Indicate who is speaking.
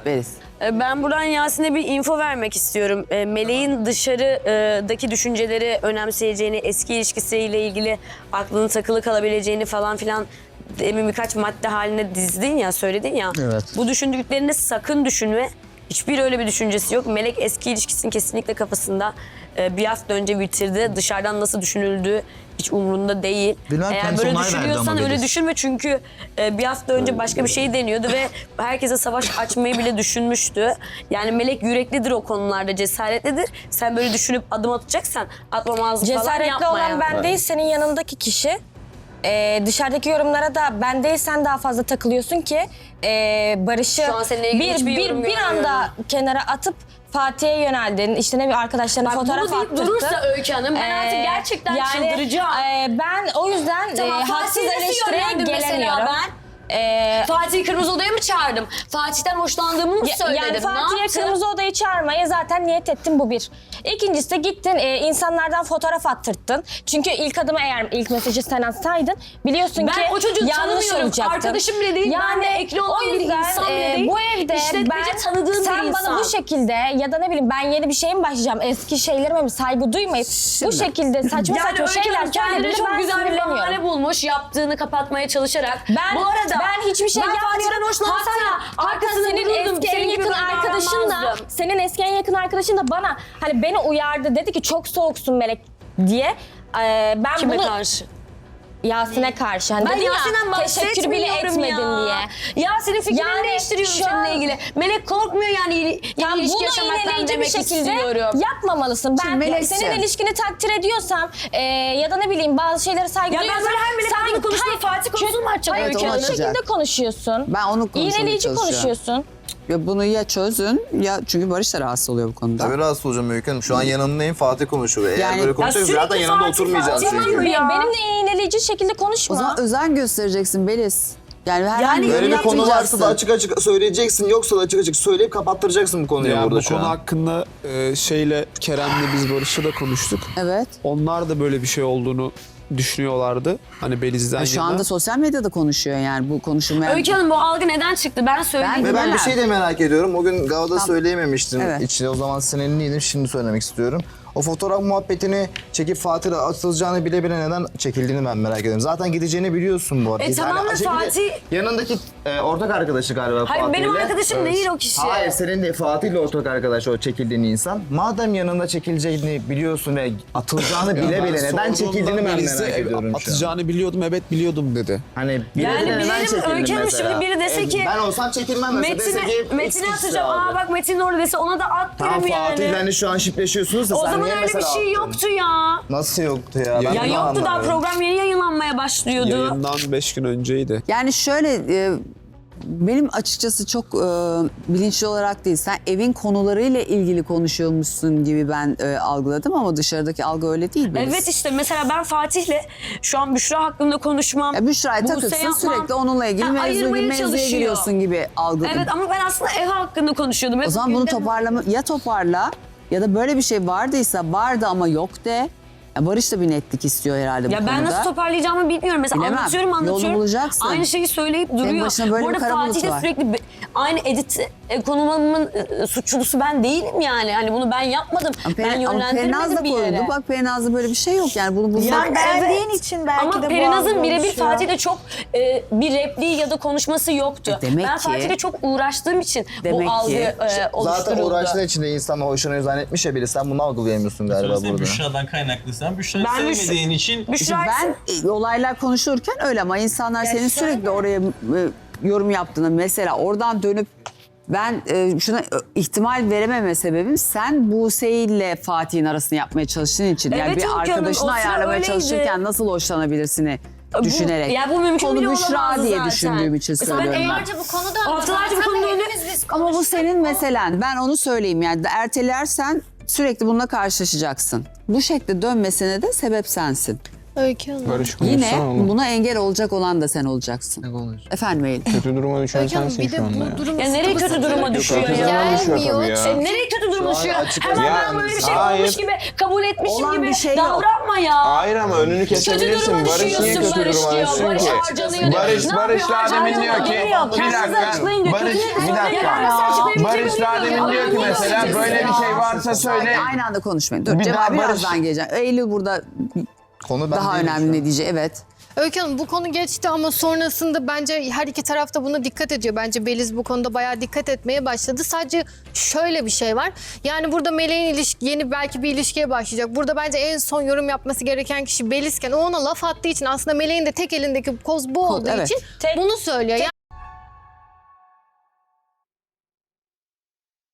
Speaker 1: Beliz.
Speaker 2: Ben buradan Yasin'e bir info vermek istiyorum. Meleğin dışarıdaki düşünceleri önemseyeceğini, eski ilişkisiyle ilgili aklının takılı kalabileceğini falan filan demin birkaç madde haline dizdin ya, söyledin ya.
Speaker 3: Evet.
Speaker 2: Bu düşündüklerini sakın düşünme. Hiçbir öyle bir düşüncesi yok. Melek eski ilişkisinin kesinlikle kafasında. Bir hafta önce bitirdi. Dışarıdan nasıl düşünüldüğü hiç umurunda değil.
Speaker 3: Bilmem,
Speaker 2: Eğer
Speaker 3: kendisi
Speaker 2: böyle
Speaker 3: onay verdi
Speaker 2: düşünüyorsan
Speaker 3: ama
Speaker 2: öyle
Speaker 3: Beliz.
Speaker 2: düşünme çünkü bir hafta önce başka bir şey deniyordu ve herkese savaş açmayı bile düşünmüştü. Yani Melek yüreklidir o konularda, cesaretlidir. Sen böyle düşünüp adım atacaksan atmamazlık falan
Speaker 4: Cesaretli
Speaker 2: yapma
Speaker 4: olan
Speaker 2: yani.
Speaker 4: ben değil, senin yanındaki kişi. Dışarıdaki yorumlara da ben değil sen daha fazla takılıyorsun ki Barış'ı
Speaker 2: Şu an seninle ilgili hiçbir yorum
Speaker 4: bir anda
Speaker 2: görmüyorum.
Speaker 4: kenara atıp Fatih'e yöneldin. İşte ne bir arkadaşlarına
Speaker 2: Bak
Speaker 4: fotoğraf
Speaker 2: bunu deyip
Speaker 4: attırdın.
Speaker 2: durursa Öykü Hanım ben artık gerçekten çıldıracağım.
Speaker 4: Ben o yüzden
Speaker 2: Tamam,
Speaker 4: haksız
Speaker 2: Fatih'i nasıl
Speaker 4: eleştiriye
Speaker 2: yönlendim mesela
Speaker 4: gelemiyorum.
Speaker 2: ben? Fatih'i Kırmızı Oda'ya mı çağırdım? Fatih'ten hoşlandığımı mı söyledim?
Speaker 4: Yani
Speaker 2: Ne
Speaker 4: Fatih'e
Speaker 2: yaptım?
Speaker 4: Kırmızı Oda'yı çağırmaya zaten niyet ettin, bu bir. İkincisi de gittin insanlardan fotoğraf attırttın. Çünkü ilk adımı eğer ilk mesajı sen atsaydın biliyorsun
Speaker 2: Ben
Speaker 4: ki
Speaker 2: o çocuğu
Speaker 4: yanlış
Speaker 2: tanımıyorum.
Speaker 4: olacaktın.
Speaker 2: Arkadaşım bile değil. Ben de ekli olan
Speaker 4: o
Speaker 2: bir
Speaker 4: yüzden,
Speaker 2: insan bile değil.
Speaker 4: Bu evde
Speaker 2: İşletmeci tanıdığım
Speaker 4: sen
Speaker 2: bir
Speaker 4: bana
Speaker 2: insan.
Speaker 4: bu şekilde ya da ne bileyim ben yeni bir şeye mi başlayacağım, eski şeylerime mi saygı duymayıp bu şekilde saçma
Speaker 2: Yani
Speaker 4: saçma
Speaker 2: Öykü
Speaker 4: şeyler
Speaker 2: Hanım kendine
Speaker 4: söylediğinde
Speaker 2: çok
Speaker 4: ben
Speaker 2: güzel bir bahane
Speaker 4: sinirleniyorum.
Speaker 2: bulmuş yaptığını kapatmaya çalışarak. Bu arada
Speaker 4: Ben hiçbir şey
Speaker 2: Fatih'ten
Speaker 4: yapmıyorum.
Speaker 2: hoşlansana.
Speaker 4: Hatta senin
Speaker 2: vururdum,
Speaker 4: eski en
Speaker 2: senin gibi
Speaker 4: yakın
Speaker 2: ben
Speaker 4: arkadaşın da
Speaker 2: davranmazdım.
Speaker 4: bana hani beni uyardı, dedi ki çok soğuksun Melek diye. Ben
Speaker 2: Kime
Speaker 4: bunu
Speaker 2: karşı?
Speaker 4: Yasin'e karşı. Hani
Speaker 2: Ben
Speaker 4: dedin ya,
Speaker 2: Yasin'den
Speaker 4: teşekkür bile
Speaker 2: bahsetmiyorum
Speaker 4: etmedin
Speaker 2: ya.
Speaker 4: diye.
Speaker 2: Yasin'in fikrini
Speaker 4: Yani
Speaker 2: değiştiriyorum
Speaker 4: şu an-
Speaker 2: seninle ilgili. Melek korkmuyor yani yeni
Speaker 4: Yani
Speaker 2: ilişki
Speaker 4: bunu
Speaker 2: yaşamaktan
Speaker 4: iğneleyici bir
Speaker 2: demek
Speaker 4: şekilde
Speaker 2: istiyorum.
Speaker 4: yapmamalısın. Ben
Speaker 1: Şimdi Melekciğim.
Speaker 4: senin ilişkini takdir ediyorsam ya da ne bileyim bazı şeylere saygı
Speaker 2: Ya ben
Speaker 4: duyuyorsam...
Speaker 2: böyle her Melek adına konuşmayı Fatih konusunu mu açacağım
Speaker 4: Hayır,
Speaker 1: Evet,
Speaker 2: Öykü
Speaker 1: onu
Speaker 4: kötü
Speaker 2: Hanım?
Speaker 1: açacak.
Speaker 4: şekilde konuşuyorsun.
Speaker 1: Ben onu konuşmaya
Speaker 4: İğneleyici
Speaker 1: çalışıyorum.
Speaker 4: konuşuyorsun.
Speaker 1: Ya bunu ya çözün ya çünkü Barış da rahatsız oluyor bu konuda.
Speaker 3: Tabii rahatsız olacağım Öykü Hanım. Şu an yanındayım, Fatih konuşuyor. Eğer
Speaker 1: Yani-
Speaker 3: böyle konuşacaksak
Speaker 2: Ya
Speaker 3: zaten
Speaker 2: sürekli
Speaker 3: yanında
Speaker 2: Fatih,
Speaker 3: oturmayacağız
Speaker 2: Fatih
Speaker 3: çünkü.
Speaker 2: diyor ya.
Speaker 4: Benimle iğneleyici şekilde konuşma.
Speaker 1: O zaman özen göstereceksin Beliz. Yani herhangi
Speaker 2: Yani
Speaker 1: bir
Speaker 3: Böyle
Speaker 1: yorum
Speaker 3: bir konu varsa
Speaker 1: yapmayacaksın.
Speaker 3: da açık açık söyleyeceksin. Yoksa da açık açık söyleyip kapattıracaksın bu konuyu
Speaker 5: Ya
Speaker 3: burada
Speaker 5: bu
Speaker 3: şu
Speaker 5: konu
Speaker 3: an.
Speaker 5: hakkında Kerem'le biz Barış'la da konuştuk.
Speaker 1: Evet.
Speaker 5: Onlar da böyle bir şey olduğunu düşünüyorlardı. Hani Beliz'den
Speaker 1: Şu
Speaker 5: yana.
Speaker 1: anda sosyal medyada konuşuyor yani bu konuşulmayan.
Speaker 2: Öykü Hanım bu algı neden çıktı? Ben söyleyeyim.
Speaker 3: Ve ben bir
Speaker 1: Bilemem.
Speaker 3: şey de merak ediyorum. O gün Gav'da söyleyememiştim.
Speaker 1: Evet.
Speaker 3: İçinde o zaman sinirliydim. Şimdi söylemek istiyorum. O fotoğraf muhabbetini çekip Fatih'e atılacağını bile bile neden çekildiğini ben merak ediyorum.
Speaker 2: Tamam da Fatih...
Speaker 3: Yanındaki ortak arkadaşı galiba
Speaker 2: Hayır,
Speaker 3: Fatih'le.
Speaker 2: benim arkadaşım değil o kişi.
Speaker 3: Hayır, senin de Fatih'le ortak arkadaş o çekildiğin insan. Madem yanında çekileceğini biliyorsun ve atılacağını
Speaker 5: Ya
Speaker 3: bile
Speaker 5: ben
Speaker 3: bile neden
Speaker 5: sorduğumda
Speaker 3: çekildiğini ben
Speaker 5: Beliz'e
Speaker 3: merak ediyorum şu an.
Speaker 5: atacağını biliyordum, evet biliyordum dedi.
Speaker 3: Hani bile
Speaker 2: Yani
Speaker 3: bile neden
Speaker 2: bilelim,
Speaker 3: çekildin
Speaker 2: Öykü Hanım
Speaker 3: mesela?
Speaker 2: şimdi biri dese ki...
Speaker 3: Ben olsam çekilmem mesela. Dese ki,
Speaker 2: Metin'e
Speaker 3: X
Speaker 2: atacağım.
Speaker 3: abi.
Speaker 2: Aa bak Metin orada dese ona da at
Speaker 3: Tamam
Speaker 2: derim yani.
Speaker 3: Fatih'le hani şu an şipleşiyorsunuz da
Speaker 2: O
Speaker 3: sen
Speaker 2: zaman
Speaker 3: niye
Speaker 2: öyle bir
Speaker 3: mesela
Speaker 2: şey
Speaker 3: attın?
Speaker 2: yoktu ya.
Speaker 3: Nasıl yoktu ya?
Speaker 5: Ya
Speaker 2: Ya
Speaker 3: bunu
Speaker 2: yoktu daha
Speaker 3: anlamadım.
Speaker 2: program yeni yayınlanmaya başlıyordu.
Speaker 5: Yayından 5 gün önceydi.
Speaker 1: Yani şöyle benim açıkçası çok bilinçli olarak değil. Sen evin konularıyla ilgili konuşuyormuşsun gibi ben algıladım ama dışarıdaki algı öyle değil. Beliz.
Speaker 2: Evet işte mesela ben Fatih'le şu an Büşra hakkında konuşmam.
Speaker 1: Ya Büşra'ya
Speaker 2: Buse
Speaker 1: takılsın
Speaker 2: yapmam.
Speaker 1: sürekli onunla ilgili
Speaker 2: Ha, ayırmaya
Speaker 1: mevzuya
Speaker 2: çalışıyor.
Speaker 1: giriyorsun gibi algıladım.
Speaker 2: Evet ama ben aslında ev hakkında konuşuyordum.
Speaker 1: O zaman bunu toparla ya da böyle bir şey vardı ama yok de. Ya Barış da bir netlik istiyor herhalde bu
Speaker 2: Ya
Speaker 1: konuda.
Speaker 2: ben nasıl toparlayacağımı bilmiyorum. Mesela
Speaker 1: Bilemem.
Speaker 2: anlatıyorum.
Speaker 1: Yolunu bulacaksın.
Speaker 2: Aynı şeyi söyleyip duruyor.
Speaker 1: başına böyle
Speaker 2: Bu
Speaker 1: bir
Speaker 2: arada
Speaker 1: kara bulut
Speaker 2: Fatih de
Speaker 1: var.
Speaker 2: sürekli aynı edit konumamın suçlusu ben değilim yani. Hani bunu ben yapmadım. Ben
Speaker 1: Perinaz da
Speaker 2: yönlendirmedim bir yere.
Speaker 1: koydu. Bak Perinaz'da böyle bir şey yok yani bunu bulmak.
Speaker 6: Yani beğendiğin için belki
Speaker 2: Ama
Speaker 6: de bu
Speaker 2: Perinaz'ın
Speaker 6: algı
Speaker 2: birebir
Speaker 6: oluşuyor.
Speaker 2: Fatih'le çok bir repliği ya da konuşması yoktu.
Speaker 1: Demek
Speaker 2: Ben
Speaker 1: ki-
Speaker 2: Fatih'le çok uğraştığım için
Speaker 1: Demek
Speaker 2: bu algı
Speaker 1: ki-
Speaker 2: oluşturuldu.
Speaker 3: Zaten uğraştığın içinde insanla hoşuna zannetmiş ya biri. Sen bunu algılayamıyorsun galiba
Speaker 7: Sonra sen
Speaker 3: burada.
Speaker 7: Büşra'dan kaynaklı. Sen Büşra'yı
Speaker 2: Ben
Speaker 7: sevmediğin için
Speaker 1: İşte
Speaker 2: Büşra
Speaker 1: ben olaylar konuşulurken öyle ama insanlar senin sürekli oraya yorum yaptığını mesela oradan dönüp ben şuna ihtimal verememe sebebim sen Buse ile Fatih'in arasını yapmaya çalıştığın için. Yani
Speaker 2: Evet,
Speaker 1: bir
Speaker 2: Öykü Hanım,
Speaker 1: arkadaşını
Speaker 2: o sıra
Speaker 1: ayarlamaya
Speaker 2: öyleydi.
Speaker 1: çalışırken nasıl hoşlanabilirsini düşünerek.
Speaker 2: Ya bu mümkün bile
Speaker 1: Konu Büşra
Speaker 2: olamazdı
Speaker 1: diye
Speaker 2: zaten.
Speaker 1: düşündüğüm için
Speaker 2: Mesela ben
Speaker 1: söylüyorum ben.
Speaker 8: Haftalarca bu konu döndü.
Speaker 2: Haftalarca bu konu döndü.
Speaker 1: Ama bu senin meselen. Ben onu söyleyeyim yani ertelersen sürekli bununla karşılaşacaksın. Bu şekilde dönmesine de sebep sensin.
Speaker 9: Öykü Hanım.
Speaker 10: Barış
Speaker 1: Yine
Speaker 10: konuşsana oğlum.
Speaker 1: buna engel olacak olan da sen olacaksın. Efendim Eylül.
Speaker 10: Kötü duruma düşen
Speaker 9: Öykü Hanım
Speaker 10: sensin
Speaker 9: bir de
Speaker 10: şu anda
Speaker 9: bu
Speaker 10: ya.
Speaker 9: durum
Speaker 2: Ya nereye kötü duruma düşüyor
Speaker 10: Kötü
Speaker 2: ya?
Speaker 10: zaman düşüyor
Speaker 9: Gelmiyor.
Speaker 10: tabii ya.
Speaker 2: Nereye kötü duruma düşüyor?
Speaker 3: açık-
Speaker 2: Hemen
Speaker 10: Ya,
Speaker 2: ben böyle bir şey
Speaker 10: hayır.
Speaker 2: olmuş gibi kabul etmişim
Speaker 1: Olan
Speaker 2: gibi
Speaker 1: bir şey yok.
Speaker 2: davranma ama ya.
Speaker 6: Hayır ama önünü kesebilirsin.
Speaker 2: duruma
Speaker 6: Barış niye
Speaker 2: düşüyorsun,
Speaker 6: kötü
Speaker 2: Barış
Speaker 6: duruma
Speaker 2: diyor.
Speaker 6: düşsün
Speaker 2: Barış
Speaker 6: ki?
Speaker 2: harcanıyor diyor.
Speaker 6: Barış
Speaker 2: Ne
Speaker 6: daha
Speaker 2: yapıyor?
Speaker 6: demin diyor ki
Speaker 2: Harcanıyor.
Speaker 6: bir
Speaker 2: Kendiniz
Speaker 6: dakika.
Speaker 2: açıklayın diyor.
Speaker 6: Barış
Speaker 2: Kötü
Speaker 6: bir dakika.
Speaker 2: açıklayabilecek
Speaker 6: Barış daha demin diyor ki mesela böyle bir şey varsa söyle.
Speaker 1: Aynı anda konuşmayın. Dur
Speaker 6: Bir
Speaker 1: Cemal
Speaker 6: daha Barış-
Speaker 1: birazdan geleceğim. Eylül burada
Speaker 3: Konu ben
Speaker 1: daha
Speaker 3: değilim
Speaker 1: önemli
Speaker 3: şu an.
Speaker 1: ne diyecek? Evet.
Speaker 8: Öykü Hanım bu konu geçti ama sonrasında bence her iki taraf da buna dikkat ediyor. Bence Beliz bu konuda bayağı dikkat etmeye başladı. Sadece şöyle bir şey var. Yani burada Meleğin yeni belki bir ilişkiye başlayacak. Burada bence en son yorum yapması gereken kişi Belizken o ona laf attığı için aslında Meleğin de tek elindeki koz bu olduğu
Speaker 1: evet.
Speaker 8: için bunu söylüyor.